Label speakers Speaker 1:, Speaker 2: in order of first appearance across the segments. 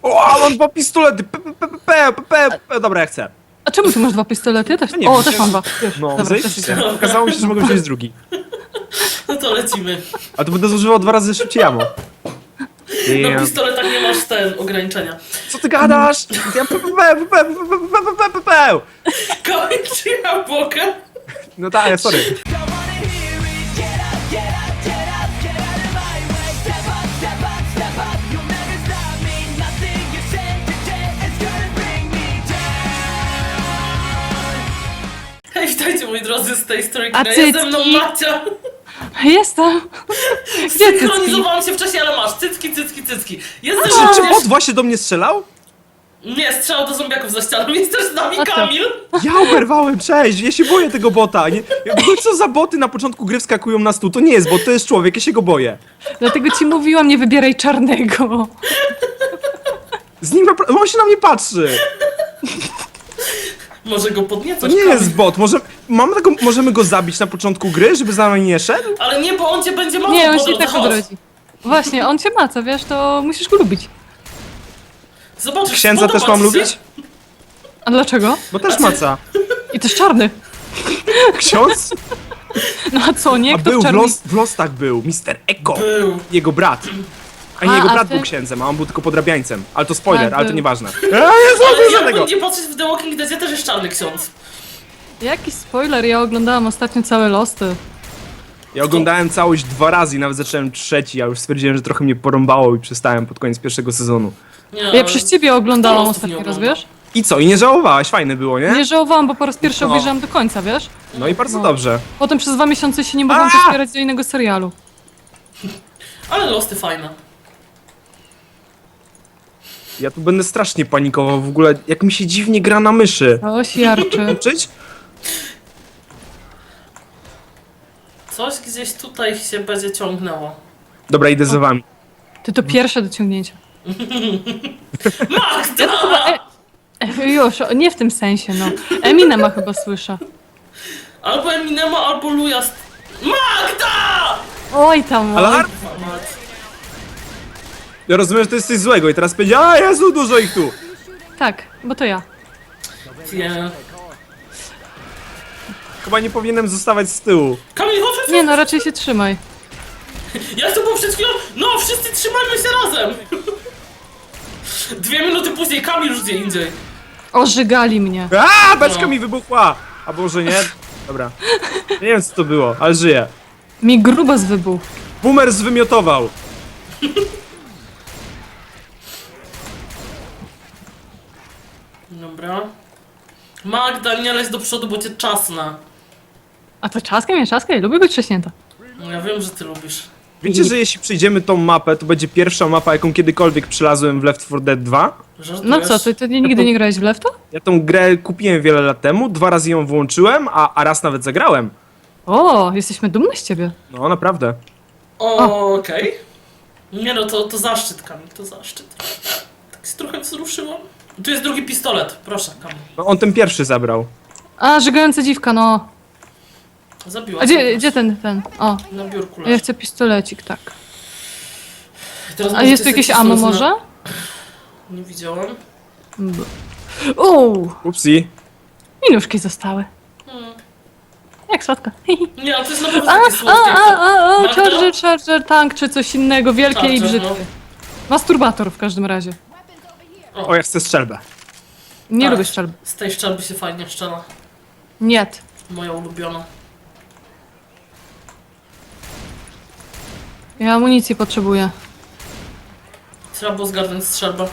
Speaker 1: O, mam 2 pistolety! Dobra, ja chcę.
Speaker 2: A czemu ty masz 2 pistolety? Ja też.
Speaker 1: No nie
Speaker 2: O,
Speaker 1: wiem,
Speaker 2: też mam 2. Już.
Speaker 1: No,
Speaker 2: Dobra,
Speaker 1: zajebiście.
Speaker 2: też idę.
Speaker 1: Okazało mi się, że mogę wziąć drugi.
Speaker 3: No to lecimy.
Speaker 1: A to będę zużywał 2 razy szybciej ammo.
Speaker 3: Na pistoletach nie masz ograniczenia.
Speaker 1: Co ty gadasz? Ja
Speaker 3: Kamil, czy ja mogę?
Speaker 1: No tak, sorry.
Speaker 3: Hej, witajcie moi drodzy z tej strony
Speaker 2: A
Speaker 3: kina. Jest ze mną
Speaker 2: cycki?
Speaker 3: Macia.
Speaker 2: Jestem. Gdzie cycki?
Speaker 3: Synchronizowałam się wcześniej, ale masz. Cycki. Jest ze
Speaker 1: Czy
Speaker 3: mną
Speaker 1: bot
Speaker 3: również...
Speaker 1: właśnie do mnie strzelał?
Speaker 3: Nie, strzelał do zombiaków za ścianą. Jest też z nami
Speaker 2: A co?
Speaker 3: Kamil.
Speaker 1: Ja oberwałem, cześć! Ja się boję tego bota. Nie, co za boty na początku gry wskakują na stół? To nie jest bot, to jest człowiek, ja się go boję.
Speaker 2: Dlatego ci mówiłam, nie wybieraj czarnego.
Speaker 1: Z nim on się na mnie patrzy.
Speaker 3: Może go
Speaker 1: To
Speaker 3: podniecasz,
Speaker 1: nie
Speaker 3: Kamil.
Speaker 1: jest bot. Możemy go zabić na początku gry, żeby za nami nie szedł?
Speaker 3: Ale nie, bo on cię będzie mało
Speaker 2: Nie, on
Speaker 3: po
Speaker 2: się i
Speaker 3: drodze.
Speaker 2: tak
Speaker 3: Chodź.
Speaker 2: odrodzi. Właśnie, on cię maca, wiesz, to musisz go lubić.
Speaker 3: Zobaczysz,
Speaker 1: Księdza też
Speaker 3: spodoba
Speaker 1: mam
Speaker 3: ci się.
Speaker 1: lubić?
Speaker 2: A dlaczego?
Speaker 1: Bo też maca.
Speaker 2: I też czarny.
Speaker 1: Ksiądz?
Speaker 2: No a co, nie?
Speaker 1: A
Speaker 2: Kto
Speaker 1: był,
Speaker 2: w czarnym...
Speaker 1: w Lostach był, Mr. Eko.
Speaker 3: Był.
Speaker 1: Jego brat. A nie,
Speaker 2: A,
Speaker 1: jego
Speaker 2: a
Speaker 1: brat
Speaker 2: ty?
Speaker 1: był księdzem, a on był tylko podrabiańcem. Ale to spoiler,
Speaker 2: Tak,
Speaker 1: ale to
Speaker 2: był.
Speaker 1: nieważne.
Speaker 3: Ale
Speaker 1: Jezu,
Speaker 3: jakby
Speaker 1: tego!
Speaker 3: nie patrzeć w The Walking Deadzie, też jest czarny ksiądz.
Speaker 2: Jakiś spoiler, ja oglądałam ostatnio całe Losty.
Speaker 1: Ja oglądałem całość 2 razy i nawet zacząłem 3, a już stwierdziłem, że trochę mnie porąbało i przestałem pod koniec 1. sezonu.
Speaker 3: Nie,
Speaker 2: Ja
Speaker 3: ale-
Speaker 2: przez ciebie oglądałam
Speaker 3: Lostów nie
Speaker 2: ostatni raz,
Speaker 3: oglądam.
Speaker 2: wiesz?
Speaker 1: I co? I nie żałowałaś? Fajne było, nie?
Speaker 2: Nie żałowałam, bo po raz pierwszy
Speaker 1: No.
Speaker 2: obejrzałam do końca, wiesz?
Speaker 1: No i bardzo
Speaker 2: No.
Speaker 1: dobrze.
Speaker 2: Potem przez 2 miesiące się nie mogłam
Speaker 1: A!
Speaker 2: przespierać do innego serialu.
Speaker 3: Ale losy fajne.
Speaker 1: Ja tu będę strasznie panikował w ogóle, jak mi się dziwnie gra na myszy.
Speaker 2: Coś jarczy.
Speaker 1: Czyć?
Speaker 3: Coś gdzieś tutaj się będzie ciągnęło.
Speaker 1: Dobra, idę za wami.
Speaker 2: Ty to pierwsze dociągnięcie.
Speaker 3: Magda!
Speaker 2: Już, nie w tym sensie, no. Eminema chyba słyszę.
Speaker 3: Albo Eminema, albo Luja. Magda!
Speaker 2: Oj tam,
Speaker 1: Alarm! Ja rozumiem, że to jest coś złego i teraz będzie, a Jezu, dużo ich tu!
Speaker 2: Tak, bo to ja.
Speaker 3: Nie.
Speaker 1: Chyba nie powinienem zostawać z tyłu.
Speaker 3: Kamil, chodź,
Speaker 2: Nie no, raczej się trzymaj.
Speaker 3: jak to było przed chwilą? No, wszyscy trzymajmy się razem! 2 minuty później Kamil już gdzie indziej.
Speaker 2: Ożygali mnie.
Speaker 1: A, beczka
Speaker 3: No.
Speaker 1: mi wybuchła! A może nie? Dobra. Nie wiem co to było, ale żyję.
Speaker 2: Mi grubas wybuchł.
Speaker 1: Boomer zwymiotował.
Speaker 3: Dobra. Magda, nie leć do przodu, bo cię czasna.
Speaker 2: A to czaskiem jest czaskiem? Lubię być trzaśnięta.
Speaker 3: No, ja wiem, że ty lubisz.
Speaker 1: Wiecie, że jeśli przejdziemy tą mapę, to będzie pierwsza mapa, jaką kiedykolwiek przylazłem w Left 4 Dead 2?
Speaker 3: Żartujesz?
Speaker 2: No co, ty nigdy nie grałeś w Lefta?
Speaker 1: Ja tą grę kupiłem wiele lat temu, 2 razy ją włączyłem, a raz nawet zagrałem.
Speaker 2: O, jesteśmy dumni z ciebie.
Speaker 1: No, naprawdę.
Speaker 3: Okej. Nie no, to zaszczyt, Kamil, to zaszczyt. Tak się trochę wzruszyłam. Tu jest drugi pistolet, proszę, Kamil.
Speaker 1: No, on ten pierwszy zabrał.
Speaker 2: A, żygająca dziwka, no.
Speaker 3: Zabiła.
Speaker 2: A gdzie ten? O,
Speaker 3: Na biurku
Speaker 2: ja
Speaker 3: leży.
Speaker 2: chcę pistolecik, tak.
Speaker 3: Teraz
Speaker 2: A
Speaker 3: może
Speaker 2: jest tu
Speaker 3: ty
Speaker 2: jakieś
Speaker 3: sobie
Speaker 2: ammo
Speaker 3: pistolet
Speaker 2: może?
Speaker 3: Nie widziałam.
Speaker 2: Uuu,
Speaker 1: Upsi.
Speaker 2: i nóżki zostały. Jak słodko.
Speaker 3: Nie, ale to jest naprawdę
Speaker 2: A,
Speaker 3: takie słodkie. Magda?
Speaker 2: charger, tank czy coś innego, wielkie i
Speaker 3: Charger,
Speaker 2: brzydkie. Masturbator w każdym razie.
Speaker 1: O, ja chcę strzelbę.
Speaker 2: Nie
Speaker 3: Tak.
Speaker 2: lubię strzelby.
Speaker 3: Z tej szczelby się fajnie szczela.
Speaker 2: Nie.
Speaker 3: Moja ulubiona.
Speaker 2: Ja amunicji potrzebuję.
Speaker 3: Trzeba było zgarnąć strzelbę.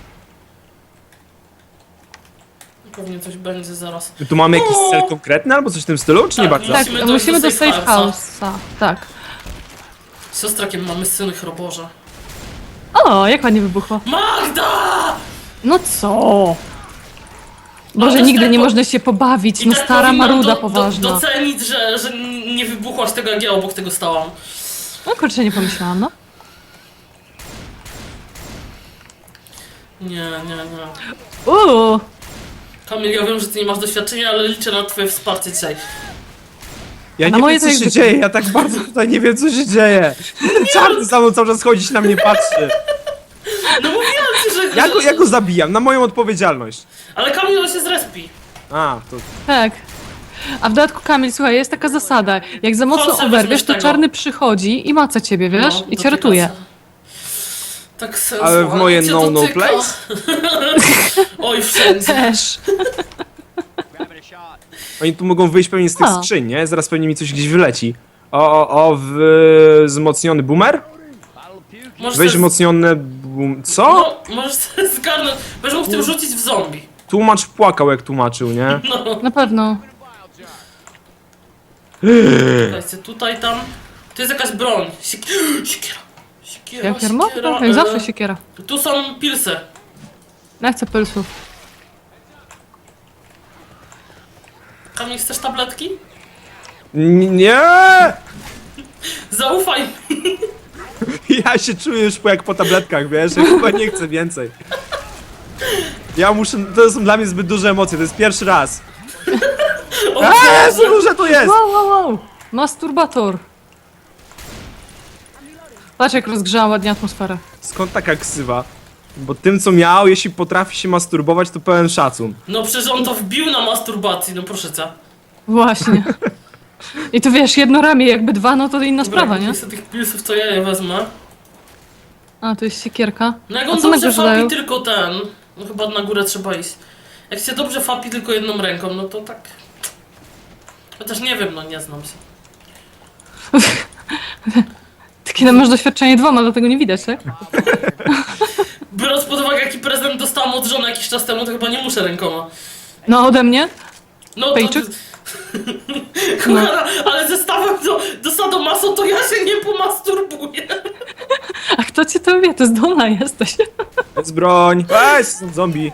Speaker 3: Pewnie coś będzie zaraz.
Speaker 1: My tu mamy jakiś cel konkretny albo coś w tym stylu, czy nie
Speaker 3: Tak,
Speaker 1: bardzo?
Speaker 2: Tak,
Speaker 3: Musimy
Speaker 2: musimy do
Speaker 3: dojść do
Speaker 2: safe
Speaker 3: safe house'a.
Speaker 2: house'a. Tak.
Speaker 3: Z siostrakiem mamy syny chroboże.
Speaker 2: O, jak ładnie wybuchło.
Speaker 3: Magda!
Speaker 2: No co?
Speaker 3: No,
Speaker 2: Boże,
Speaker 3: też
Speaker 2: nigdy
Speaker 3: tak
Speaker 2: nie
Speaker 3: po-
Speaker 2: można się pobawić,
Speaker 3: I
Speaker 2: no
Speaker 3: tak
Speaker 2: stara
Speaker 3: powinnam
Speaker 2: maruda poważna.
Speaker 3: docenić, że nie wybuchłaś tego, jak ja obok tego stałam.
Speaker 2: No kurczę, nie pomyślałam, no.
Speaker 3: Nie.
Speaker 2: Uuu,
Speaker 3: Kamil, ja wiem, że ty nie masz doświadczenia, ale liczę na twoje wsparcie dzisiaj.
Speaker 1: Ja
Speaker 2: na
Speaker 1: nie
Speaker 2: moje
Speaker 1: wiem, co
Speaker 2: to
Speaker 1: się
Speaker 2: jak
Speaker 1: dzieje, ja tak bardzo tutaj nie wiem, co się dzieje. Ten czarny za mną cały czas chodzić na mnie patrzy.
Speaker 3: No mówiłem ci, że...
Speaker 1: Ja go zabijam, na moją odpowiedzialność.
Speaker 3: Ale Kamil on się zrespi.
Speaker 1: A, to...
Speaker 2: Tak. A w dodatku, Kamil, słuchaj, jest taka zasada. Jak za mocno
Speaker 3: Chodź,
Speaker 2: oberwiesz,
Speaker 3: weźmy
Speaker 2: to
Speaker 3: tego.
Speaker 2: czarny przychodzi i maca ciebie, wiesz? I cię ratuje.
Speaker 3: Tak
Speaker 1: Ale w moje
Speaker 3: cię
Speaker 1: no
Speaker 3: dotyka.
Speaker 1: place?
Speaker 3: Oj, wszędzie.
Speaker 2: Też.
Speaker 1: Oni tu mogą wyjść pewnie z tych
Speaker 2: A.
Speaker 1: skrzyń, nie? Zaraz pewnie mi coś gdzieś wyleci. Wzmocniony boomer?
Speaker 3: Możesz
Speaker 1: Weź
Speaker 3: sobie-
Speaker 1: wzmocnione Co?
Speaker 3: No, możesz sobie zgarnąć. Będziesz mógł tym rzucić w zombie.
Speaker 1: Tłumacz płakał jak tłumaczył, nie?
Speaker 3: No.
Speaker 2: Na pewno.
Speaker 3: Słuchajcie, tutaj, tam. Tu jest jakaś broń. Siekiera.
Speaker 2: Jak jarmo?
Speaker 3: siekiera,
Speaker 2: Jak zawsze siekiera.
Speaker 3: Tu są pilsy.
Speaker 2: Nie chcę pylsów.
Speaker 3: Kamil, chcesz tabletki?
Speaker 1: Nie!
Speaker 3: Zaufaj mi.
Speaker 1: Ja się czuję już jak po tabletkach, wiesz? Ja chyba nie chcę więcej. Ja muszę... To są dla mnie zbyt duże emocje, to jest pierwszy raz.
Speaker 3: O,
Speaker 1: Co duże to jest!
Speaker 2: Wow, wow, wow. Masturbator. Patrz, jak rozgrzała ładnie atmosferę.
Speaker 1: Skąd taka ksywa? Bo tym co miał, jeśli potrafi się masturbować, to pełen szacun.
Speaker 3: No przecież on to wbił na masturbacji, no proszę cię.
Speaker 2: Właśnie. I tu wiesz, jedno ramię, jakby dwa, no to inna sprawa, nie?
Speaker 3: Jest tych pilsów, to ja je wezmę.
Speaker 2: A, tu jest siekierka.
Speaker 3: No jak
Speaker 2: A
Speaker 3: on
Speaker 2: co
Speaker 3: dobrze
Speaker 2: nagle dają?
Speaker 3: fapi tylko ten, no chyba na górę trzeba iść. Jak się dobrze fapi tylko jedną ręką, no to tak... Chociaż nie wiem, no nie znam się.
Speaker 2: Takie masz doświadczenie dwoma, dlatego nie widać, tak?
Speaker 3: Biorąc pod uwagę jaki prezent dostałam od żony jakiś czas temu, to chyba nie muszę rękoma.
Speaker 2: No, ode mnie?
Speaker 3: No to...
Speaker 2: Pejczyk?
Speaker 3: Kochana, ale zestawem do sadomaso to ja się nie pomasturbuję.
Speaker 2: A kto cię to wie? To zdolna jesteś.
Speaker 1: Jest broń! Weź, są zombie!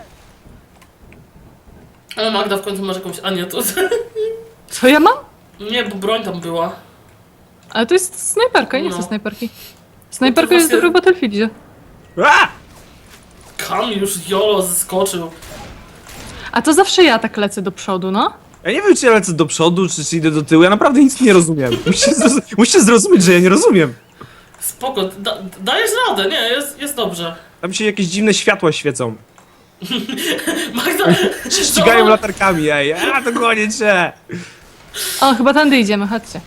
Speaker 3: Ale Magda w końcu masz jakąś... A nie, to...
Speaker 2: Co ja mam?
Speaker 3: Nie, bo broń tam była.
Speaker 2: Ale to jest snajperka, ja nie
Speaker 3: No.
Speaker 2: chcę snajperki. Snajperka
Speaker 3: To
Speaker 2: jest
Speaker 3: właśnie-
Speaker 2: dobra w Battlefieldzie.
Speaker 1: A!
Speaker 3: Kamil już jolo zeskoczył.
Speaker 2: A to zawsze ja tak lecę do przodu, no.
Speaker 1: Ja nie wiem, czy ja lecę do przodu, czy idę do tyłu, ja naprawdę nic nie rozumiem. Musicie zrozumieć, że ja nie rozumiem.
Speaker 3: Spoko, dajesz radę, nie, jest dobrze.
Speaker 1: Tam się jakieś dziwne światła świecą.
Speaker 3: Magda...
Speaker 1: Ścigają latarkami, ej, a to koniec się!
Speaker 2: O, chyba tędy idziemy, chodźcie.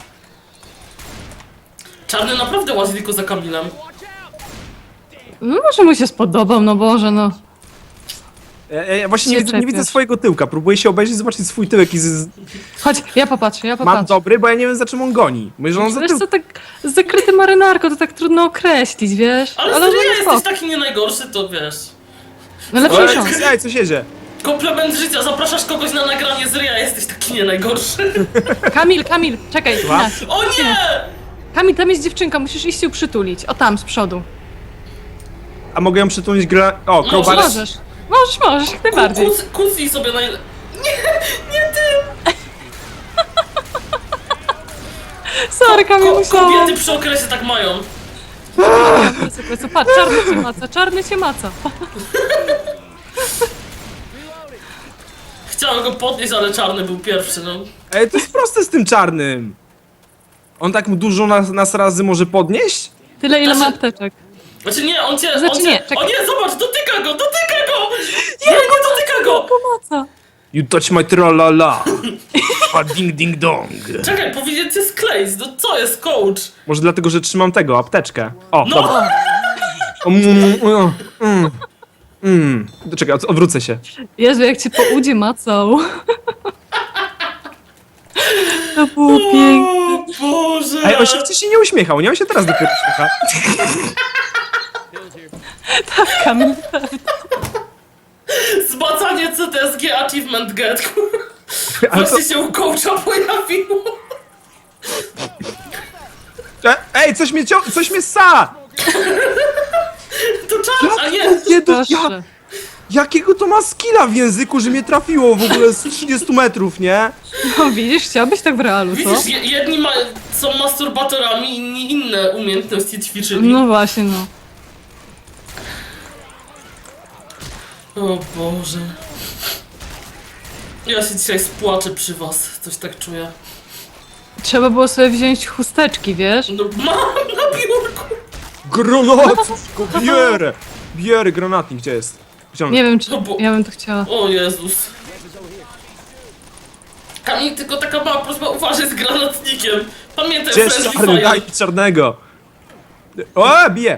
Speaker 3: Czarny naprawdę łazi tylko za Kamilem.
Speaker 2: No może mu się spodobał, no Boże, no.
Speaker 1: Ja właśnie
Speaker 2: Nie
Speaker 1: nie widzę
Speaker 2: czepiasz.
Speaker 1: swojego tyłka, próbuję się obejrzeć, zobaczyć swój tyłek i
Speaker 2: Chodź, ja popatrzę, ja
Speaker 1: mam
Speaker 2: popatrzę.
Speaker 1: dobry, bo ja nie wiem za czym on goni. Myślę, że on za
Speaker 2: Wiesz
Speaker 1: tył...
Speaker 2: co, tak zakryty marynarką, to tak trudno określić, wiesz?
Speaker 3: Ale
Speaker 2: no
Speaker 3: serio
Speaker 2: spoko.
Speaker 3: jesteś taki nie najgorszy, to wiesz.
Speaker 2: No lepszy
Speaker 1: Ej,
Speaker 2: niż on.
Speaker 1: ej, coś jedzie.
Speaker 3: Komplement życia, zapraszasz kogoś na nagranie z ryja, jesteś taki nie najgorszy.
Speaker 2: Kamil, czekaj,
Speaker 1: Słucham?
Speaker 2: inaczej.
Speaker 3: O nie!
Speaker 2: Kamil, tam jest dziewczynka, musisz iść ją przytulić. O, tam, z przodu.
Speaker 1: A mogę ją przytulić gra... O,
Speaker 3: No,
Speaker 1: crowbar...
Speaker 2: Możesz, jak najbardziej.
Speaker 3: Kucnij sobie na... Nie, nie ty!
Speaker 2: Sorry, Kamil, musiałam.
Speaker 3: Kobiety przy okresie tak mają.
Speaker 2: Co, patrz, czarny cię maca.
Speaker 3: Chciałem go podnieść, ale czarny był pierwszy, no.
Speaker 1: Ej, to jest proste z tym czarnym. On tak dużo nas razy może podnieść?
Speaker 2: Tyle, ile ma
Speaker 3: Znaczy-
Speaker 2: apteczek.
Speaker 3: Znaczy nie, on cię...
Speaker 2: Znaczy
Speaker 3: on cię...
Speaker 2: nie, czekaj.
Speaker 3: O nie, zobacz, dotyka go! Nie dotyka go!
Speaker 2: Pomoca.
Speaker 1: You touch my tralala. A ding ding dong.
Speaker 3: Czekaj, powinien cię skleić, no co jest, coach?
Speaker 1: Może dlatego, że trzymam tego, apteczkę. O,
Speaker 3: No!
Speaker 1: dobra. Czekaj, odwrócę się.
Speaker 2: Jezu, jak cię po udzie macał. To było piękne.
Speaker 3: O Boże!
Speaker 1: Ej, on się wcześniej nie uśmiechał, nie? On się teraz dopiero uśmiecha.
Speaker 2: Kamil.
Speaker 3: Zbacanie CTSG Achievement Get, kurwa.
Speaker 1: Ale to...
Speaker 3: Właśnie się u coacha pojawiło.
Speaker 1: Ej, coś mnie ssa!
Speaker 3: To czas, a nie!
Speaker 1: Nie,
Speaker 2: Proszę.
Speaker 1: jakiego to ma skilla w języku, że mnie trafiło w ogóle z 30 metrów, nie?
Speaker 2: No widzisz, chciałbyś tak w realu, co?
Speaker 3: Widzisz, jedni są masturbatorami, inni inne umiejętności ćwiczyli.
Speaker 2: No właśnie, no.
Speaker 3: O Boże. Ja się dzisiaj spłaczę przy was, coś tak czuję.
Speaker 2: Trzeba było sobie wziąć chusteczki, wiesz?
Speaker 3: No mam na biurku!
Speaker 1: Granat! Go bierę! Biery, granatnik, gdzie jest? Wyciągnę.
Speaker 2: Nie wiem, czy
Speaker 3: No bo-
Speaker 2: ja bym to chciała.
Speaker 3: O Jezus. Kamil, tylko taka mała prośba, uważaj z granatnikiem. Pamiętaj,
Speaker 1: Gdzie jest
Speaker 3: friendly
Speaker 1: czarny?
Speaker 3: fire.
Speaker 1: Daj mi czarnego! O, bije!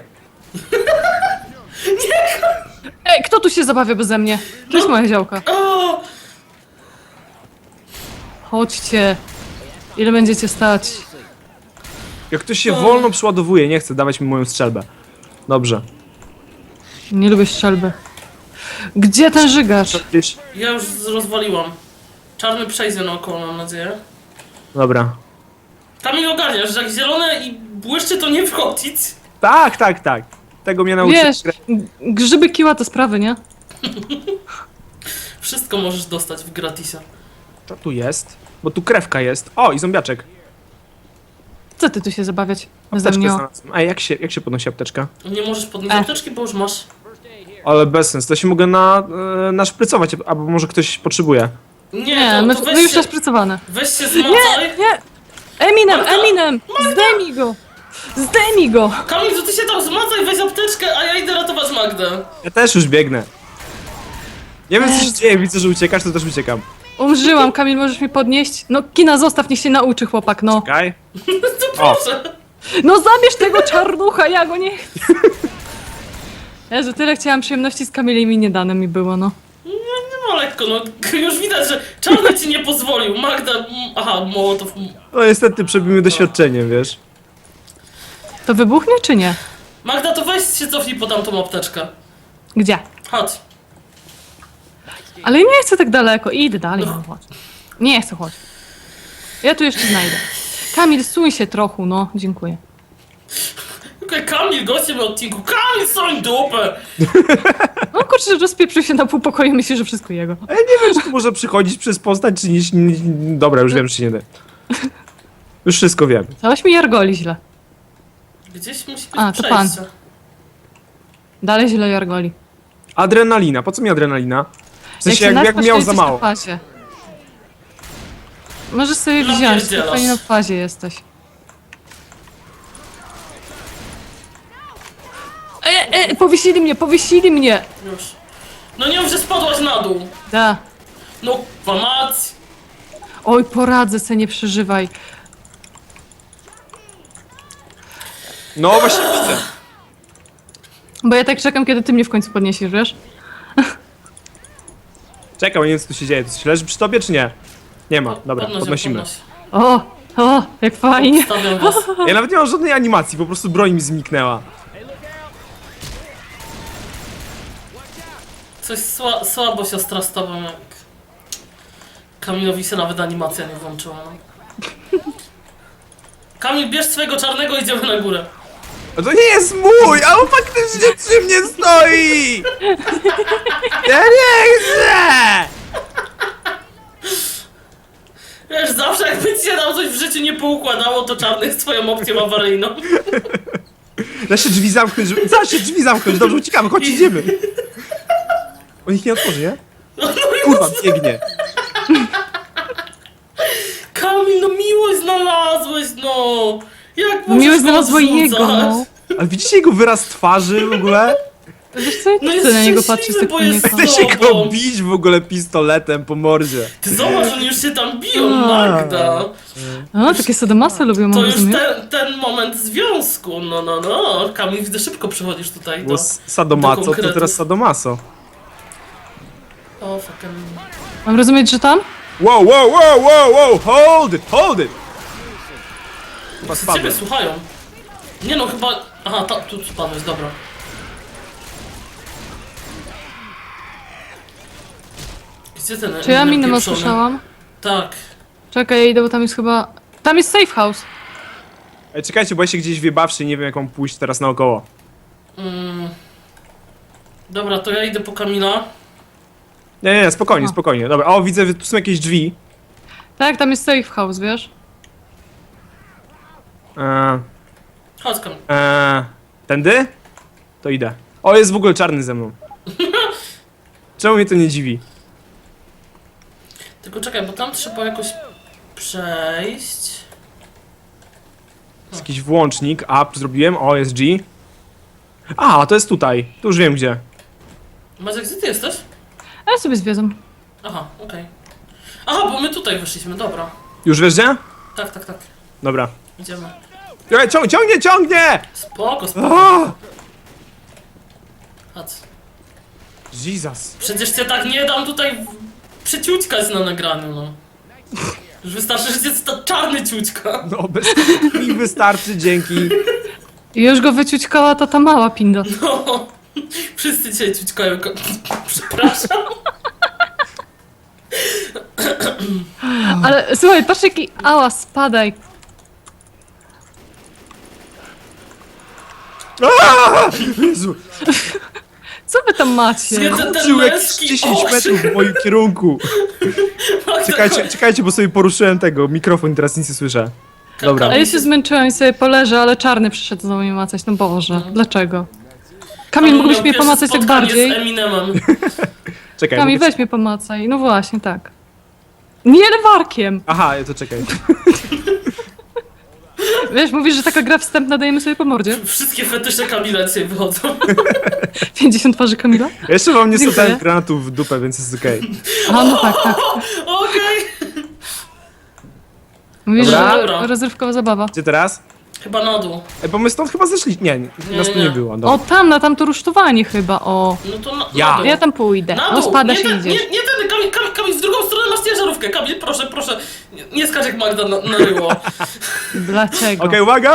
Speaker 2: Ej, kto tu się zabawia beze mnie? To jest moja działka.
Speaker 3: O!
Speaker 2: Chodźcie. Ile będziecie stać?
Speaker 1: Jak ktoś się wolno przeładowuje, nie chce dawać mi moją strzelbę. Dobrze.
Speaker 2: Nie lubię strzelby. Gdzie ten żygacz?
Speaker 1: Gdzieś...
Speaker 3: Ja już rozwaliłam. Czarny przejdzie naokoło, mam nadzieję.
Speaker 1: Dobra.
Speaker 3: Kamil, ogarniasz, że jak zielone i błyszczy, to nie wchodzić.
Speaker 1: Tak, tak, tak. Tego mnie nauczył.
Speaker 2: Wiesz, grzyby kiła to sprawy, nie?
Speaker 3: Wszystko możesz dostać w gratisie.
Speaker 1: Co tu jest? Bo tu krewka jest. O, i zombiaczek.
Speaker 2: Co ty tu się zabawiać? Beze
Speaker 1: Apteczkę
Speaker 2: mnie.
Speaker 1: znalazłem. Ej, jak się podnosi apteczka?
Speaker 3: Nie możesz podnieść apteczki, bo już masz.
Speaker 1: Ale bez sensu, to się mogę naszprycować, albo może ktoś potrzebuje.
Speaker 2: Nie,
Speaker 3: to,
Speaker 2: my,
Speaker 3: to
Speaker 2: my już
Speaker 3: się,
Speaker 2: naszprycowane.
Speaker 3: weź się
Speaker 2: Nie,
Speaker 3: zmacaj.
Speaker 2: nie! Eminem! Zdejmij go! Zdejmij go!
Speaker 3: Kamil, to ty się tam zmacaj, weź apteczkę, a ja idę ratować Magdę.
Speaker 1: Ja też już biegnę. Nie wiem co się dzieje, widzę, że uciekasz, to też uciekam.
Speaker 2: Umrzyłam, Kamil, możesz mnie podnieść? No, kina zostaw, niech się nauczy chłopak, no.
Speaker 1: Czekaj.
Speaker 3: To
Speaker 1: O.
Speaker 3: proszę.
Speaker 2: No zabierz tego czarnucha, ja go nie chcę. Jezu, tyle chciałam przyjemności z Kamilem i nie dane mi było, no.
Speaker 3: No lekko, no już widać, że czarny ci nie pozwolił. Magda, aha, Mołotow.
Speaker 1: No niestety przebijmy doświadczeniem, wiesz.
Speaker 2: To wybuchnie czy nie?
Speaker 3: Magda, to weź się cofnij po tamtą apteczkę.
Speaker 2: Gdzie?
Speaker 3: Chodź.
Speaker 2: Ale nie chcę tak daleko, idę dalej, no chodź. Nie chcę, chodź. Ja tu jeszcze znajdę. Kamil, suń się trochę, no, dziękuję.
Speaker 3: Okej, Kamil, gościem odcinku. Kamil, soń dupę!
Speaker 2: No kurczę, rozpieprzył się na pół pokoju, myślę, że wszystko jego.
Speaker 1: Ale nie wiem, czy to może przychodzić przez postać, czy nie... Dobra, już wiem, czy się nie da. Już wszystko wiem.
Speaker 2: Całoś mi jargoli źle.
Speaker 3: Gdzieś musi być
Speaker 2: A, to
Speaker 3: przejście.
Speaker 2: Dalej źle jargoli.
Speaker 1: Adrenalina, po co mi adrenalina? W sensie,
Speaker 2: się
Speaker 1: jak
Speaker 2: naćpasz,
Speaker 1: miał
Speaker 2: to
Speaker 1: za
Speaker 2: jesteś
Speaker 1: mało.
Speaker 2: na fazie. Możesz sobie
Speaker 3: No
Speaker 2: wziąć,
Speaker 3: pierdzielasz.
Speaker 2: spokojnie na fazie jesteś. Powiesili mnie!
Speaker 3: Już. No nie mów, że spadłaś na dół.
Speaker 2: Da.
Speaker 3: No, mać.
Speaker 2: Oj, poradzę se, nie przeżywaj.
Speaker 1: No właśnie widzę.
Speaker 2: Bo ja tak czekam, kiedy ty mnie w końcu podniesiesz, wiesz?
Speaker 1: Czekam, nie wiem co tu się dzieje. To się leży przy tobie, czy nie? Nie ma, dobra,
Speaker 3: Podnoś ją,
Speaker 1: podnosimy.
Speaker 3: podnoś.
Speaker 2: O, jak fajnie.
Speaker 3: Stawiam was.
Speaker 1: Ja nawet nie mam żadnej animacji, po prostu broń mi zniknęła.
Speaker 3: Coś słabo siostra z tobą, jak... Kamilowi się nawet animacja nie włączyła. No. Kamil, bierz swojego czarnego, idziemy na górę.
Speaker 1: No to nie jest mój, a on faktycznie przy mnie stoi! Ja nie chcę!
Speaker 3: Wiesz, zawsze jakby ci się nam coś w życiu nie poukładało, to czarny jest twoją opcją awaryjną.
Speaker 1: Da się drzwi zamknąć, da się drzwi zamknąć, dobrze, uciekamy, chodź, idziemy. On ich nie otworzy, nie? Kurwa, biegnie.
Speaker 3: Kamil, no miłość znalazłeś, no! Jak możesz
Speaker 2: Miłość
Speaker 3: go
Speaker 2: znalazła
Speaker 3: odrzucać?
Speaker 2: jego, no.
Speaker 1: Ale widzicie jego wyraz twarzy w ogóle?
Speaker 2: Wiesz co, ja
Speaker 3: No
Speaker 2: nie
Speaker 3: jest
Speaker 2: chcę na niego patrzeć
Speaker 3: szczęśliwy,
Speaker 2: tak
Speaker 3: bo jest
Speaker 2: poniekąd.
Speaker 1: Chce się go
Speaker 3: Zobą.
Speaker 1: bić w ogóle pistoletem po mordzie.
Speaker 3: Ty zobacz, oni już się tam biją,
Speaker 2: A.
Speaker 3: Magda!
Speaker 2: O, takie sadomasy lubią,
Speaker 3: To
Speaker 2: mam
Speaker 3: już
Speaker 2: rozumieć.
Speaker 3: ten moment związku, no. Kamil, widzę, szybko przychodzisz tutaj
Speaker 1: Bo
Speaker 3: do
Speaker 1: sadomaso, to
Speaker 3: konkretów.
Speaker 1: teraz sadomaso.
Speaker 3: O, fucking...
Speaker 2: Mam rozumieć, że tam?
Speaker 1: Wow, wow, wow, wow, wow, hold it, hold it! Chyba
Speaker 3: Ciebie
Speaker 1: spadłem.
Speaker 3: słuchają. Nie no, chyba... Aha, tu spadłeś, dobra. Gdzie ten
Speaker 2: Czy ja
Speaker 3: Eminem
Speaker 2: minę
Speaker 3: pieprzony?
Speaker 2: słyszałam?
Speaker 3: Tak.
Speaker 2: Czekaj, ja idę, bo tam jest chyba... Tam jest safe house.
Speaker 1: Ej, czekajcie, bo ja się gdzieś wjebawszy i nie wiem jak mam pójść teraz naokoło.
Speaker 3: Dobra, to ja idę po Kamila.
Speaker 1: Nie, spokojnie,
Speaker 2: Aha.
Speaker 1: spokojnie. Dobra, o widzę, tu są jakieś drzwi.
Speaker 2: Tak, tam jest safe house, wiesz?
Speaker 3: Chodź, Kamil.
Speaker 1: Tędy? To idę. O, jest w ogóle czarny ze mną. Czemu mnie to nie dziwi?
Speaker 3: Tylko czekaj, bo tam trzeba jakoś przejść.
Speaker 1: Jest jakiś włącznik, up zrobiłem, o, jest G. A, to jest tutaj. Tu już wiem gdzie.
Speaker 3: Maciek, gdzie ty jesteś?
Speaker 2: A ja sobie zwiedzam.
Speaker 3: Aha, okej. Aha, bo my tutaj wyszliśmy, dobra.
Speaker 1: Już wiesz gdzie?
Speaker 3: Tak, tak, tak.
Speaker 1: Dobra.
Speaker 3: Idziemy.
Speaker 1: Ej, ciągnie!
Speaker 3: Spoko, spoko.
Speaker 1: O!
Speaker 3: Chodź.
Speaker 1: Jesus.
Speaker 3: Przecież cię tak nie dam tutaj przyciućkać na nagraniu, no. Już wystarczy, że jest ta czarny ciućka.
Speaker 1: No, bez mi wystarczy, dzięki.
Speaker 2: I już go wyciućkała ta mała pinda.
Speaker 3: No. Wszyscy cię ciućkają. Przepraszam.
Speaker 2: Ale słuchaj, patrz jaki... Ała, spadaj.
Speaker 1: Aaa! Jezu,
Speaker 2: Co wy tam macie?
Speaker 3: Zjedzę ten
Speaker 1: żył jakieś
Speaker 3: męski
Speaker 1: 10
Speaker 3: okrzyk.
Speaker 1: metrów w moim kierunku. Czekajcie, bo sobie poruszyłem tego mikrofon i teraz nic nie słyszę. Dobra.
Speaker 2: A ja się zmęczyłam i sobie poleżę, ale czarny przyszedł znowu mnie macać. No Boże, dlaczego? Kamil, mógłbyś mnie pomacać tak bardziej?
Speaker 3: z Eminemem.
Speaker 1: Czekaj.
Speaker 2: Kamil,
Speaker 1: mogę-
Speaker 2: weź mnie pomacaj. No właśnie, tak. Nie lewarkiem!
Speaker 1: Aha, to czekaj.
Speaker 2: Wiesz, mówisz, że taka gra wstępna, dajemy sobie po mordzie?
Speaker 3: Wszystkie fetysze Kamila dzisiaj wychodzą.
Speaker 2: 50 twarzy Kamila?
Speaker 1: Jeszcze wam nie
Speaker 2: Dziękuję.
Speaker 1: sadałem granatów w dupę, więc jest okej.
Speaker 2: Aha, no tak, tak.
Speaker 3: Okej.
Speaker 2: Mówisz,
Speaker 1: Dobra.
Speaker 2: że rozrywkowa zabawa.
Speaker 1: Gdzie teraz?
Speaker 3: Chyba na dół.
Speaker 1: Ej, bo my stąd chyba zeszli. Nie, nas tu
Speaker 3: nie.
Speaker 1: nie było.
Speaker 2: O,
Speaker 1: Dobra.
Speaker 2: tam, na tamto rusztowanie chyba, o.
Speaker 3: No to
Speaker 1: Ja.
Speaker 3: na dół.
Speaker 2: Ja tam pójdę.
Speaker 3: Na
Speaker 2: No
Speaker 3: dół.
Speaker 2: spada
Speaker 3: nie
Speaker 2: się
Speaker 3: ten,
Speaker 2: idziesz.
Speaker 3: nie ten, Kamil, w drugą stronę masz ciężarówkę. Kamil, proszę, proszę. Nie skacz jak Magda na ryło.
Speaker 2: Dlaczego?
Speaker 1: Okej, uwaga!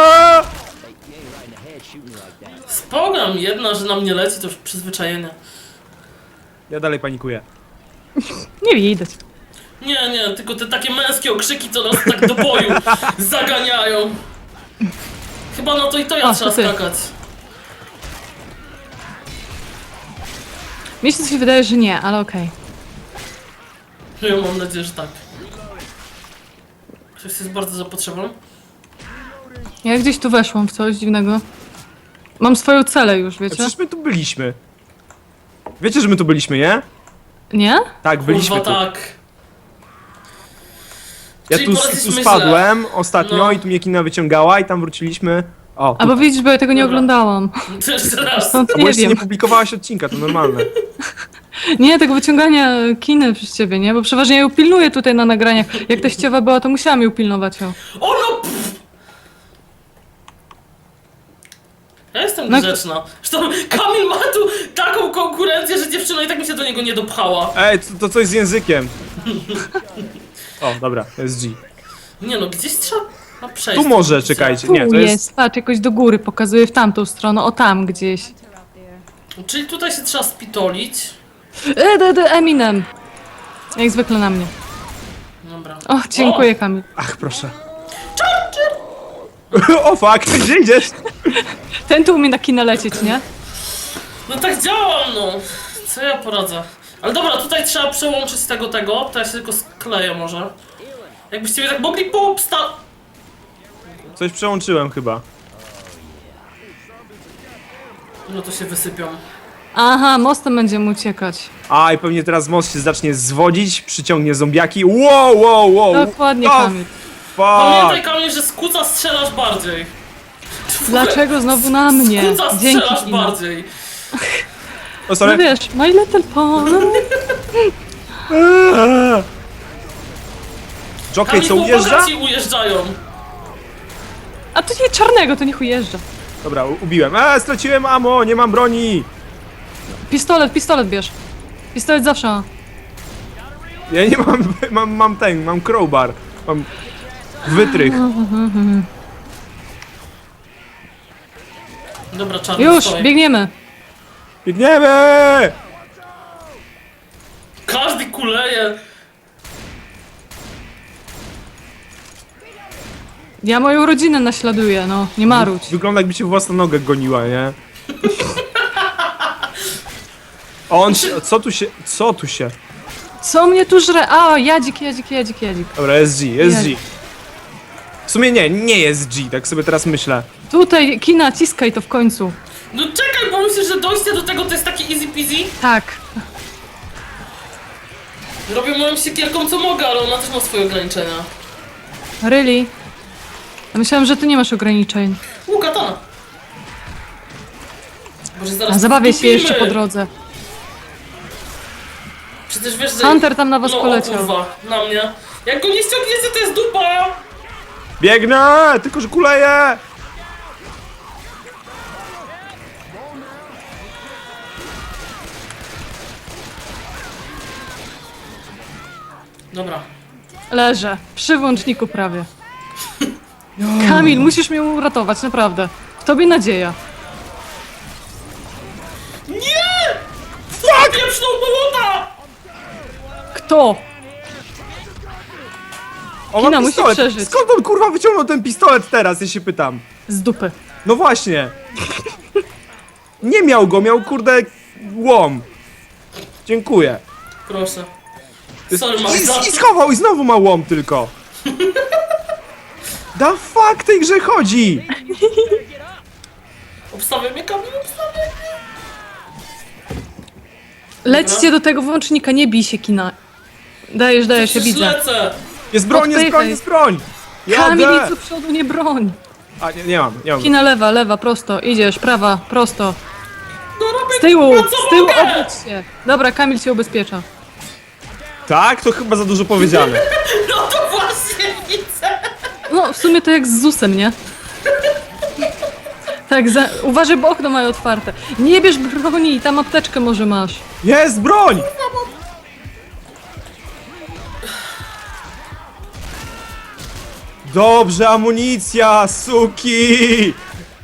Speaker 3: Spogam jedna, że na mnie leci, to już przyzwyczajenie.
Speaker 1: Ja dalej panikuję.
Speaker 2: Nie widać.
Speaker 3: Nie, tylko te takie męskie okrzyki, co nas tak do boju zaganiają. Chyba no to i to ja
Speaker 2: O,
Speaker 3: trzeba
Speaker 2: to ty.
Speaker 3: skakać.
Speaker 2: Mi się coś wydaje, że nie, ale okej.
Speaker 3: Ja mam nadzieję, że tak. Ktoś jest bardzo za potrzebą.
Speaker 2: Ja gdzieś tu weszłam w coś dziwnego. Mam swoją celę już, wiecie?
Speaker 1: Przecież my tu byliśmy. Wiecie, że my tu byliśmy, nie?
Speaker 2: Nie?
Speaker 1: Tak, byliśmy
Speaker 3: Kurwa,
Speaker 1: tu.
Speaker 3: tak.
Speaker 1: Ja
Speaker 3: Czyli
Speaker 1: tu
Speaker 3: poszliśmy źle.
Speaker 1: spadłem ostatnio
Speaker 3: No.
Speaker 1: i tu mnie kina wyciągała i tam wróciliśmy. O,
Speaker 2: Albo widzisz, bo ja tego nie
Speaker 3: Dobra.
Speaker 2: oglądałam.
Speaker 3: To jeszcze raz.
Speaker 2: Stąd
Speaker 1: bo
Speaker 2: nie
Speaker 1: jeszcze
Speaker 2: wiem.
Speaker 1: nie publikowałaś odcinka, to normalne.
Speaker 2: Nie, tego wyciągania kiny przez ciebie, nie? Bo przeważnie ja ją pilnuję tutaj na nagraniach. Jak teściowa była, to musiałam ją pilnować. O.
Speaker 3: O no! Pff. Ja jestem
Speaker 2: No-
Speaker 3: grzeczna. Zresztą Kamil ma tu taką konkurencję, że dziewczyna i tak mi się do niego nie dopchała.
Speaker 1: Ej, to coś z językiem. O, dobra, to jest G.
Speaker 3: Nie no, gdzieś trzeba przejść.
Speaker 1: Tu może, czekajcie.
Speaker 2: Tu
Speaker 1: Nie, to jest...
Speaker 2: patrz, jakoś do góry pokazuje w tamtą stronę. O, tam gdzieś.
Speaker 3: Czyli tutaj się trzeba spitolić.
Speaker 2: Eminem. Jak zwykle na mnie.
Speaker 3: Dobra.
Speaker 2: O, dziękuję, Kamil.
Speaker 1: Ach, proszę. O fuck, gdzie idziesz?
Speaker 2: Ten tu umie na kinę lecieć, nie?
Speaker 3: No tak działam, no. Co ja poradzę? Ale dobra, tutaj trzeba przełączyć z tego, to ja się tylko skleję może. Jakbyście mnie tak mogli
Speaker 1: Coś przełączyłem chyba.
Speaker 3: No to się wysypią.
Speaker 2: Aha, mostem będziemy uciekać.
Speaker 1: A, i pewnie teraz most się zacznie zwodzić, przyciągnie zombiaki. Wow!
Speaker 2: Dokładnie,
Speaker 1: Oh,
Speaker 2: Kamil.
Speaker 3: Pamiętaj,
Speaker 1: Fuck!
Speaker 3: Kamil, że z kuca strzelasz bardziej.
Speaker 2: Dlaczego znowu na mnie?
Speaker 3: Z kuca
Speaker 2: Dzięki,
Speaker 3: strzelasz
Speaker 2: Kino.
Speaker 3: bardziej.
Speaker 1: O,
Speaker 2: No
Speaker 1: sorry.
Speaker 2: wiesz, My Little Pony.
Speaker 1: Jockey, co
Speaker 3: Kamil,
Speaker 1: ujeżdża?
Speaker 3: ci ujeżdżają.
Speaker 2: A to nie czarnego, to niech ujeżdża.
Speaker 1: Dobra, ubiłem. Straciłem ammo, nie mam broni.
Speaker 2: Pistolet bierz. Pistolet zawsze ma.
Speaker 1: Ja nie mam crowbar. Mam wytrych.
Speaker 3: Dobra, czarny
Speaker 2: Już,
Speaker 3: stoi.
Speaker 2: biegniemy.
Speaker 1: Biegniemy!
Speaker 3: Każdy kuleje.
Speaker 2: Ja moją rodzinę naśladuję, no. Nie marudź.
Speaker 1: Wygląda jakby się własna nogę goniła, nie? On się... Co tu się...
Speaker 2: Co mnie tu żre? A, jadzik.
Speaker 1: Dobra, jest G, jest G.
Speaker 2: Jest.
Speaker 1: W sumie nie jest G, tak sobie teraz myślę.
Speaker 2: Tutaj, kina, ciskaj to w końcu.
Speaker 3: No czekaj, bo myślę, że dojście do tego to jest takie easy peasy.
Speaker 2: Tak.
Speaker 3: Robię moją siekierką co mogę, ale ona też ma swoje ograniczenia.
Speaker 2: Really? Ja myślałam, że ty nie masz ograniczeń.
Speaker 3: Katana. Boże, zaraz
Speaker 2: A zabawię się
Speaker 3: wtupimy.
Speaker 2: jeszcze po drodze.
Speaker 3: Przecież wiesz, że...
Speaker 2: Hunter tam na was
Speaker 3: no,
Speaker 2: poleciał.
Speaker 3: O kurwa, na mnie. Jak go nie ściągniecie, to jest dupa!
Speaker 1: Biegnę! Tylko, że kuleję!
Speaker 3: Dobra.
Speaker 2: Leżę. Przy włączniku prawie. Kamil, musisz mnie uratować, naprawdę. W tobie nadzieja.
Speaker 3: Nie! Fuck! Pieprzną bolota!
Speaker 2: Kto?
Speaker 1: O,
Speaker 2: Kina
Speaker 1: mam
Speaker 2: musi
Speaker 1: pistolet!
Speaker 2: przeżyć.
Speaker 1: Skąd on kurwa wyciągnął ten pistolet teraz, ja się pytam?
Speaker 2: Z dupy.
Speaker 1: No właśnie! Nie miał go, miał kurde łom. Dziękuję.
Speaker 3: Proszę. Sorry, Magda.
Speaker 1: I schował i znowu ma łom tylko. Da fuck tej grze chodzi!
Speaker 3: Obstawiam mnie, Kamil, obstawiam.
Speaker 2: Lećcie do tego włącznika, nie bij się, Kina. Dajesz, ja
Speaker 3: Przecież
Speaker 2: widzę.
Speaker 3: lecę.
Speaker 1: Jest broń, jest broń, jest broń!
Speaker 2: Kamil,
Speaker 1: Jadę!
Speaker 2: idź do przodu, nie broń.
Speaker 1: A, nie mam.
Speaker 2: Kina lewa, prosto. Idziesz, prawa, prosto.
Speaker 3: No robię
Speaker 2: Z tyłu,
Speaker 3: kurwa, co
Speaker 2: z tyłu,
Speaker 3: mogę?
Speaker 2: obróć się. Dobra, Kamil cię ubezpiecza.
Speaker 1: Tak? To chyba za dużo powiedziane.
Speaker 3: No to właśnie widzę.
Speaker 2: No, w sumie to jak z ZUS-em, nie? Tak, uważaj, bo okno mają otwarte. Nie bierz broni, tam apteczkę może masz.
Speaker 1: Jest broń! Dobrze, amunicja, suki!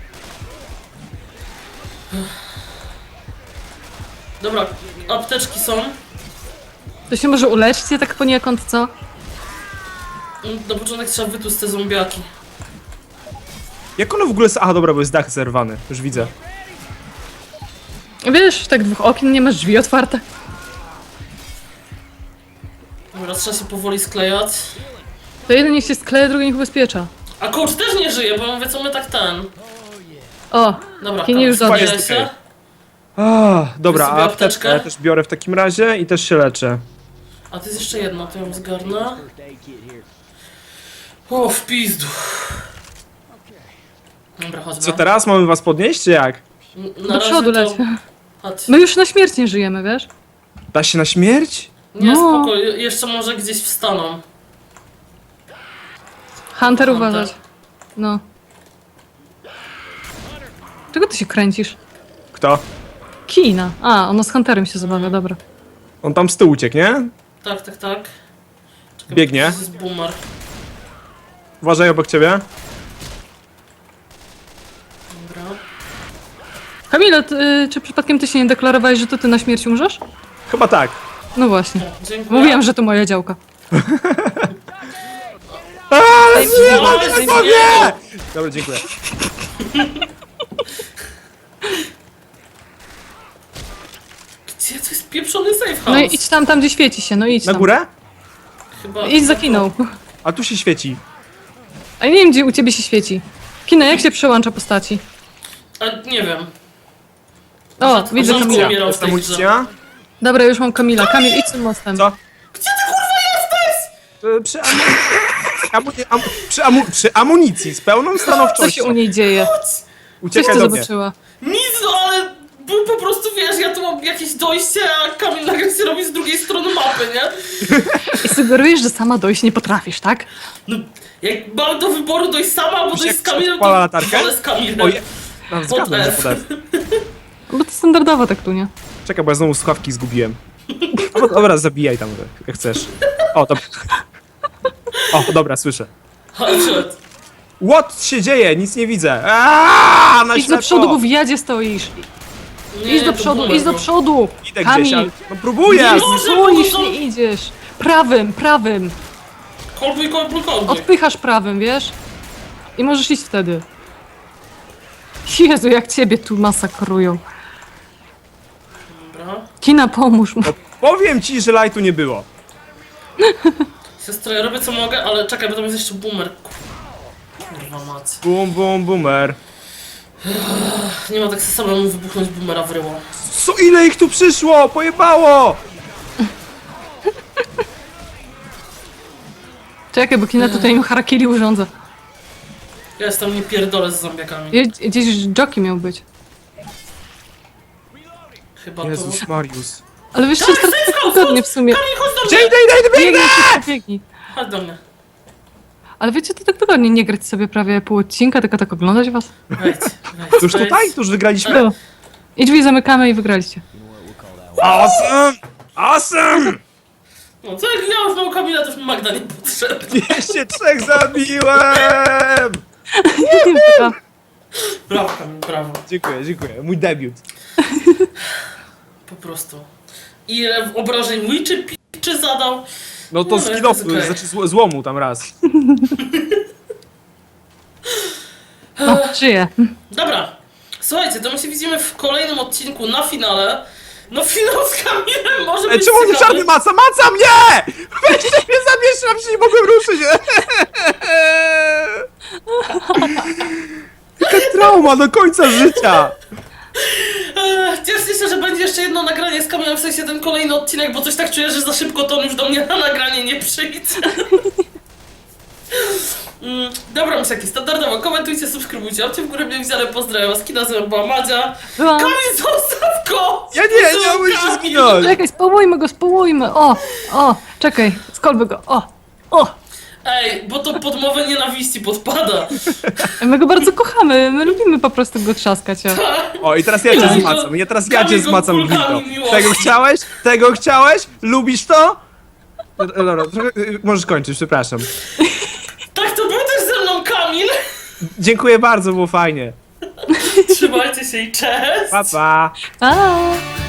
Speaker 3: Dobra, apteczki są.
Speaker 2: To się może uleczcie tak poniekąd, co?
Speaker 3: Na początek trzeba wytłuc te zombiaki.
Speaker 1: Jak ono w ogóle... Aha, dobra, bo jest dach zerwany. Już widzę.
Speaker 2: Wiesz, tak dwóch okien, nie masz drzwi otwarte.
Speaker 3: Dobra, trzeba się powoli sklejać.
Speaker 2: To jeden niech się skleja, drugi niech ubezpiecza.
Speaker 3: A coach też nie żyje, bo mówię, co my tak ten.
Speaker 2: O,
Speaker 3: Dobra,
Speaker 2: Kini już
Speaker 3: Kamil,
Speaker 2: dobrze.
Speaker 3: skleję się.
Speaker 1: Dobra,
Speaker 3: Weź sobie
Speaker 1: a
Speaker 3: apteczkę.
Speaker 1: apteczkę ja też biorę w takim razie i też się leczę.
Speaker 3: A to jest jeszcze jedna, to ją zgarnę. O, w pizdu. Dobra, chodźmy.
Speaker 1: Co teraz? Mamy was podnieść, czy jak?
Speaker 3: Na
Speaker 2: Do
Speaker 3: razie
Speaker 2: przodu
Speaker 3: to-
Speaker 2: leć.
Speaker 3: Chodź.
Speaker 2: My już na śmierć nie żyjemy, wiesz?
Speaker 1: Da się na śmierć?
Speaker 3: Nie,
Speaker 2: No.
Speaker 3: spoko, jeszcze może gdzieś wstaną.
Speaker 2: Hunter, uważać. No. Czego ty się kręcisz?
Speaker 1: Kto?
Speaker 2: Kina. A, ono z Hunterem się zabawia, dobra.
Speaker 1: On tam z tyłu uciekł, nie?
Speaker 3: Tak. Czekaj,
Speaker 1: Biegnie.
Speaker 3: bo to jest boomer.
Speaker 1: Uważaj obok ciebie.
Speaker 3: Dobra.
Speaker 2: Kamila, czy przypadkiem ty się nie deklarowałeś, że to ty na śmierć umrzesz?
Speaker 1: Chyba tak.
Speaker 2: No właśnie.
Speaker 3: Dziękuję.
Speaker 2: Mówiłam, że to moja działka.
Speaker 1: Ale
Speaker 2: nie,
Speaker 3: Ale
Speaker 2: daj mi-
Speaker 1: nie! Dobra, dziękuję.
Speaker 3: Gdzie to jest pieprzony safe house?
Speaker 2: No i idź tam, gdzie świeci się, no idź
Speaker 1: Na
Speaker 2: tam.
Speaker 1: górę?
Speaker 3: Chyba...
Speaker 2: Idź za Kiną.
Speaker 1: A tu się świeci.
Speaker 2: A ja nie wiem, gdzie u ciebie się świeci. Kina, jak się przełącza postaci?
Speaker 3: A, nie wiem.
Speaker 2: O, widzę
Speaker 3: Rzadko
Speaker 2: Kamila.
Speaker 3: umierał w
Speaker 1: Jest
Speaker 3: tej grze.
Speaker 1: amunicja?
Speaker 2: Dobra, już mam Kamila. Kamil, idź tym mostem.
Speaker 1: Co?
Speaker 3: Gdzie ty kurwa jesteś?
Speaker 1: Przy amunicji z pełną
Speaker 2: Co się
Speaker 1: stanowczością.
Speaker 2: u niej dzieje? Coś
Speaker 1: Uciekaj
Speaker 2: ty
Speaker 1: do mnie.
Speaker 2: zobaczyła.
Speaker 3: Nic, no ale... Był po prostu, wiesz, ja tu mam jakieś dojście, a Kamil nagle się robi z drugiej strony mapy, nie?
Speaker 2: I sugerujesz, że sama dojść nie potrafisz, tak?
Speaker 3: No, jak mam do wyboru dojść sama, albo
Speaker 1: Wiesz,
Speaker 3: dojść z
Speaker 1: jak
Speaker 3: Kamilem,
Speaker 1: odpala
Speaker 3: to
Speaker 1: latarkę?
Speaker 3: wolę z Kamilem.
Speaker 1: Oje. No, zgadłem, że
Speaker 3: F.
Speaker 1: pod F.
Speaker 2: Bo to standardowo tak tu, nie?
Speaker 1: Czekaj, bo ja znowu słuchawki zgubiłem. Dobra, zabijaj tam, jak chcesz. O, dobra. O, dobra, słyszę.
Speaker 3: Chodź.
Speaker 1: What się dzieje? Nic nie widzę. Aaaa, na
Speaker 2: Idź do
Speaker 1: ślepo.
Speaker 2: przodu, bo w jadzie stoisz.
Speaker 3: Nie,
Speaker 2: Idź do
Speaker 3: to
Speaker 2: przodu,
Speaker 3: boomer
Speaker 2: idź do
Speaker 3: był.
Speaker 2: przodu.
Speaker 1: Idę gdzieś, ale...
Speaker 2: Kamil,
Speaker 1: No próbuję!
Speaker 3: Nie może,
Speaker 2: stoisz,
Speaker 3: bo to-
Speaker 2: nie idziesz. Prawym, prawym.
Speaker 3: Kolbuj.
Speaker 2: Odpychasz prawym, wiesz? I możesz iść wtedy. Jezu, jak ciebie tu masakrują.
Speaker 3: Dobra.
Speaker 2: Kina, pomóż mu.
Speaker 1: Powiem ci, że lightu nie było.
Speaker 3: Siostro, ja robię co mogę, ale czekaj, bo tam jest jeszcze boomer. Kurwa mać.
Speaker 1: Bum, bum, boomer.
Speaker 3: Nie ma tak samemu wybuchnąć boomera w ryło.
Speaker 1: Co, ile ich tu przyszło? Pojebało!
Speaker 2: Czekaj, bo Kina tutaj im harakiri urządza.
Speaker 3: Ja jestem nie pierdolę z zombiakami.
Speaker 2: Gdzieś jockey miał być.
Speaker 3: Chyba to...
Speaker 1: Jezus Marius.
Speaker 2: Ale wiesz, co jest tak wygodnie w sumie.
Speaker 3: Kamil, chodź do
Speaker 1: Gdzie
Speaker 3: mnie!
Speaker 1: idę, biegnę!
Speaker 2: Biegnij, szybko, biegnij.
Speaker 3: Chodź do mnie.
Speaker 2: Ale wiecie, to tak wygodnie nie grać sobie prawie pół odcinka, tylko tak oglądać was.
Speaker 3: Wejdź.
Speaker 1: Już tutaj? Tu już wygraliśmy?
Speaker 2: Tu. I drzwi zamykamy i wygraliście.
Speaker 1: Awesome! Awesome!
Speaker 3: No co jak ja już mam Kamila, to już mi Magda nie potrzebna.
Speaker 1: 203 zabiłem!
Speaker 3: Brawo, Kamil, brawo.
Speaker 1: Dziękuję. Mój debiut.
Speaker 3: Po prostu. Ile obrażeń mój czy zadał?
Speaker 1: No to
Speaker 3: No,
Speaker 1: z
Speaker 3: jest
Speaker 1: kilofu,
Speaker 3: okej.
Speaker 1: znaczy złomu tam raz.
Speaker 2: O, żyję.
Speaker 3: Dobra. Słuchajcie, to my się widzimy w kolejnym odcinku na finale. No finał z Kamilem może
Speaker 1: Ej,
Speaker 3: być
Speaker 1: czemu nie
Speaker 3: ciekawy.
Speaker 1: czarny maca? Maca mnie! Weźcie mnie zamieszam, się nie mogłem ruszyć! Taka trauma do końca życia!
Speaker 3: Cieszę się, że będzie jeszcze jedno nagranie z Kamilem, w sensie ten kolejny odcinek, bo coś tak czuję, że za szybko to on już do mnie na nagranie nie przyjdzie. Dobra, myślaki, standardowo, komentujcie, subskrybujcie, łapcie w górę mnie widziane, pozdrawiam was, kina ze mną była Madzia.
Speaker 2: Byłam.
Speaker 3: Kamil, zostaw go!
Speaker 1: Ja nie mogę się
Speaker 3: Kamil!
Speaker 1: zginąć!
Speaker 2: Czekaj, społujmy. O, czekaj, skolby go. O.
Speaker 3: Ej, bo to podmowę nienawiści podpada.
Speaker 2: My go bardzo kochamy, my lubimy po prostu go trzaskać. O.
Speaker 1: O, i teraz ja cię
Speaker 3: Kamil,
Speaker 1: zmacam, teraz ja
Speaker 3: Kamil
Speaker 1: cię
Speaker 3: go
Speaker 1: zmacam
Speaker 3: kulkami
Speaker 1: gwiazdą.
Speaker 3: miłości.
Speaker 1: Tego chciałeś? Lubisz to? Dobra, trochę, możesz kończyć, przepraszam.
Speaker 3: Tak, to był też ze mną Kamil.
Speaker 1: Dziękuję bardzo, było fajnie.
Speaker 3: Trzymajcie się i cześć!
Speaker 1: Pa, pa.
Speaker 2: Pa!